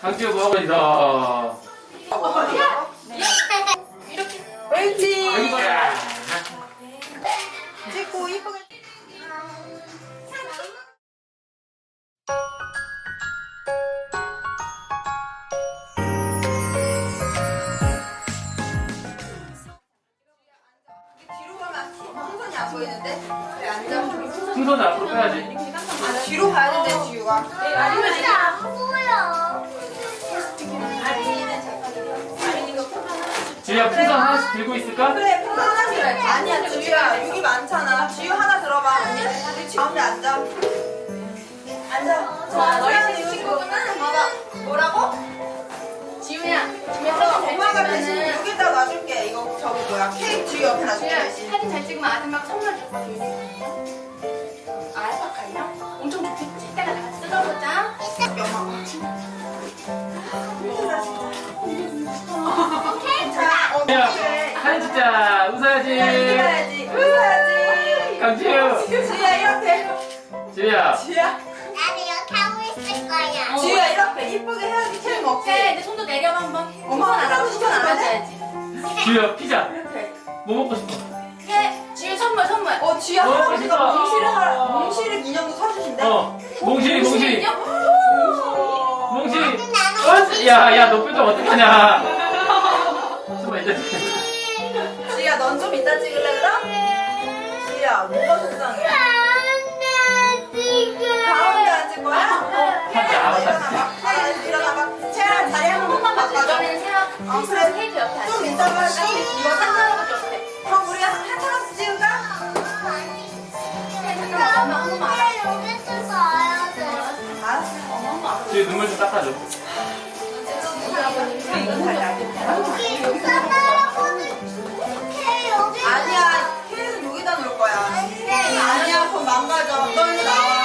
강지우 뭐하고 있어? 어디야? 이렇게. 옳지. 여기 봐라. 찍고 이쁘게. 뒤로 가면 풍선이 안 보이는데? 그래 앉아. 풍선을 앞으로 빼야지. 아, 뒤로 가야 된대 지우가. 진짜 안 보여. 지우야 풍선 하나씩 들고 있을까? 그래 풍선 하나씩 해. 아니야 지우야 여기 많잖아. 지우 하나 들어봐. 언니 가운데 앉아. 앉아. 자 너희 친구는 봐봐. 뭐라고? 지우야, 그래서 엄마가 대신 여기다 놔줄게. 이거 저기 뭐야 케이크 지우 옆에 놔줄게 대신. 사진 잘 찍으면 아줌마가 선물 줬어. 알파카야? 엄청 좋겠지? 이따가 다 같이 뜯어보자. 엄마. 자, 지우야 그래. 사진 찍자. 웃어야지. 웃어야지. 웃어야지. 강지우. 지우야 이렇게. 지우야. 지우야. 나는 이렇게 하고 있을 거야. 지우야 이렇게 이쁘게 해야지 케이크 먹지. 내 손도 내려봐 한번. 엄마 하라고 시켜 안 해? 보여줘야지. 지우야 피자. 이렇게. 뭐 먹고 싶어? 지우 선물. 지우야 어, 할아버지가 맛있다. 몽실을 인형도 사주신대. 몽실이. 어? 몽실이. 야 너 표정 어떡하냐. 정말 이따 지우야 넌 좀 이따 찍을래 그럼? 지우야 뭐가 속상해? 가운데 앉을 거야? 일어나봐. 일어나봐. 채랑 자리 한 번만 바꿔줘. 이번에는 생각 그래. 케이크 옆에 앉아. 좀 이따가 이거 산사할아버지 옆에. 그럼 우리 한차씩 찍을까? 잠깐만 엄마 한 번만 알아. 알았어. 엄마 한 번 알아. 지우 눈물 좀 닦아줘. 이건 자리 안 아니야, 케이크는 여기다 놓을 거야. 아니야, 그럼 망가져. 너 일로 나와.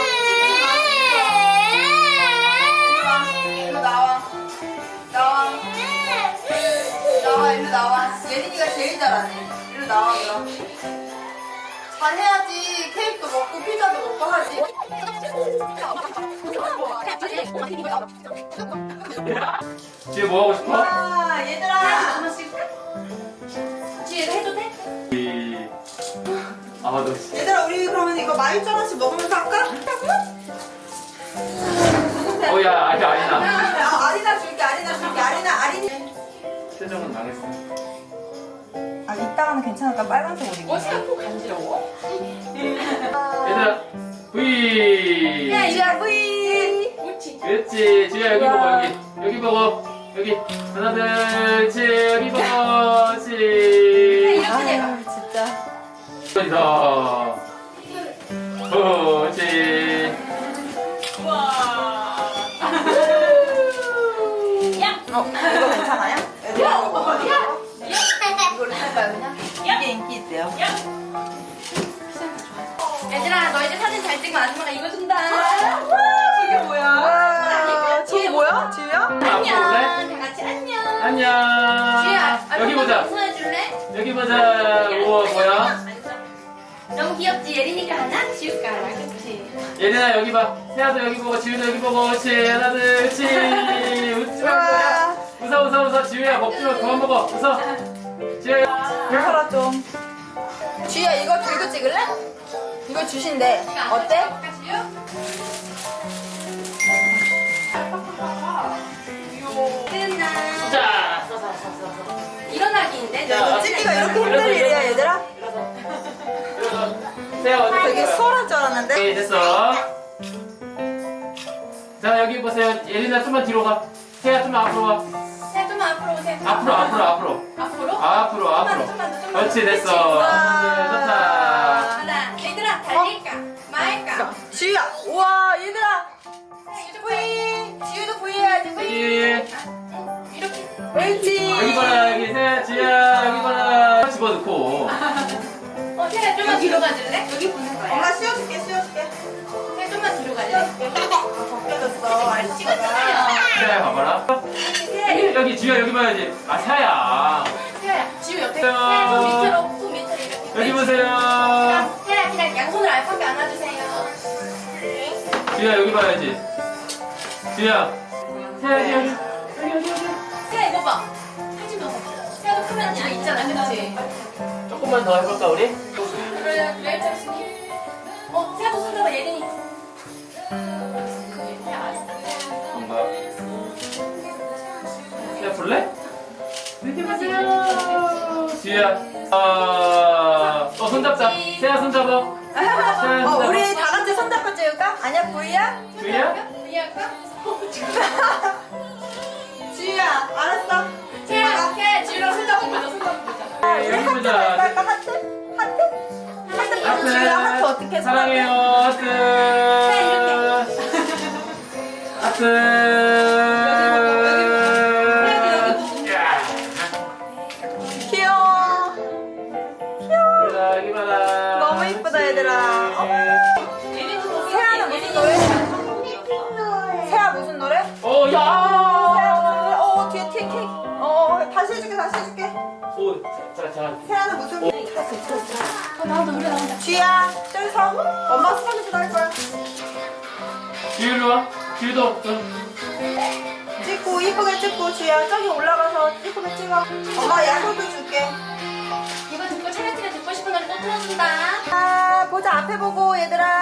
일로 나와. 일로 나와. 예린이가 제일 잘하네. 일로 나와, 그럼. 잘해야지. 케이크도 먹고, 피자도 먹고 하지. 지우 뭐 하고 싶어? 와, 얘들아. 하나씩. 지우도 해도 돼? 아너 얘들아, 우리 그러면 이거 마일전 하나씩 먹으면서 할까? 어야 아직 아니나. 아리나 줄게. 아리나. 표정은 망했어. 아, 이따가는 괜찮을까? 빨간색 옷 입고. 어디가 코 간지러워? 얘들아 V. 지우야, 뿌이. 옳지. 그렇지. 지우야 여기 보고 여기 보고 여기 하나 둘셋 여기 보고 이렇게 내봐. 진짜. 어디서 그렇지. 야. 이거 괜찮아요? 얘들아, 이거 먹어. 어디야? 이걸로 할까요, 그냥? 이게 인기 있대요. 얘들아 너 이제 사진 잘 찍으면 아줌마가 이거 준다. 저게 뭐야? 저게 뭐야? 지우야? 안녕. 볼래? 다 같이 안녕. 안녕. 지우야 여기 보자. 웃어줄래? 여기 보자. 우와 뭐야? 너무 귀엽지? 예린이가 하나? 지우가 하나 그치? 얘들아 여기 봐. 세아도 여기 보고 지우도 여기 보고 그렇지. 하나 둘 그렇지. 웃지 말고. 웃어. 지우야 먹지 마. 그만 먹어. 웃어. 지우야. 웃어라 좀. 지우야 이거 들고 찍을래? 이거 주신대. 어때? 끝나. 자. 일어나기인데? 자, 이거 찍기가 이렇게 힘들 일이야 얘들아? 세아 어디 되게 있어? 수월할 줄 알았는데? 네, 됐어. 자, 여기 보세요. 예린아 좀만 뒤로 가. 세아 좀만 앞으로 가. 자, 좀만 앞으로 오세요. 앞으로. 앞으로? 좀만 더. 그렇지, 됐어. 좋다. 하나, 얘들아, 달릴까? 말까? 지우야 우와 얘들아 뿌이 지우도 뿌이 해야지 뿌이 여기, 이렇게. 옳지 여기 봐라. 여기 세아, 지우야, 여기 봐라. 집어넣고. 세아 좀만 뒤로 가줄래? 여기 보는 거야. 엄마 씌워줄게 세아 좀만 뒤로 갈래? 벗겨졌어 알지? 찍었잖아요. 세아, 봐봐라. 여기, 지우야, 여기 봐야지. 아, 세아야. 세아야, 지우 옆에. 세아. 손 밑으로, 손 밑으로 이렇게. 여기 보세요. 세아, 그냥 양손으로 알파벳 안아주세요. 지우야, 여기 봐야지. 지우야. 세아, 여기. 세아 이거 봐. 하지 마. 세아도 크면 저 있잖아, 그렇지? 조금만 더 해볼까 우리? 그래, 그래, 자신이. 세아도 손 잡아, 예린이. 뭔가 세아 볼래? 이렇게 보세요. 지우야. 손잡자. 세아 손잡아. 세아 손잡아. 우리 다 같이 손잡고 찍을까? 아니야, 부이야? 지우야? 이해할까? 지우야, 알았어. 세아, 지우랑 손 잡고 보자, 손 잡고 보자. 우리 여기 하트 보자. 할까? 하트? 하트? 하트 보자. 지우야, 하트 어떻게 해? 사랑해요. 하트. 하트. 귀여워. 얘들아, 여기 봐라. 너무 이쁘다, 얘들아. 세아는 무슨 노래? 세아 무슨 노래? 야. 세아 무슨 노래? 뒤에 케이크. 다시 해줄게, 다시 해줄게. 오, 자. 세아는 무슨 노래? 나온다, 노래 나온다. 쥐야, 저기서 엄마 스파게티 할 거야. 지우로 와. 지우도 좀. 찍고 이쁘게 찍고 쥐야 저기 올라가서 이쁘게 찍어. 엄마 야구도 줄게. 이거 듣고 촬영 찍어 듣고 싶은 노래 또 틀어준다. 보자 앞에 보고 얘들아.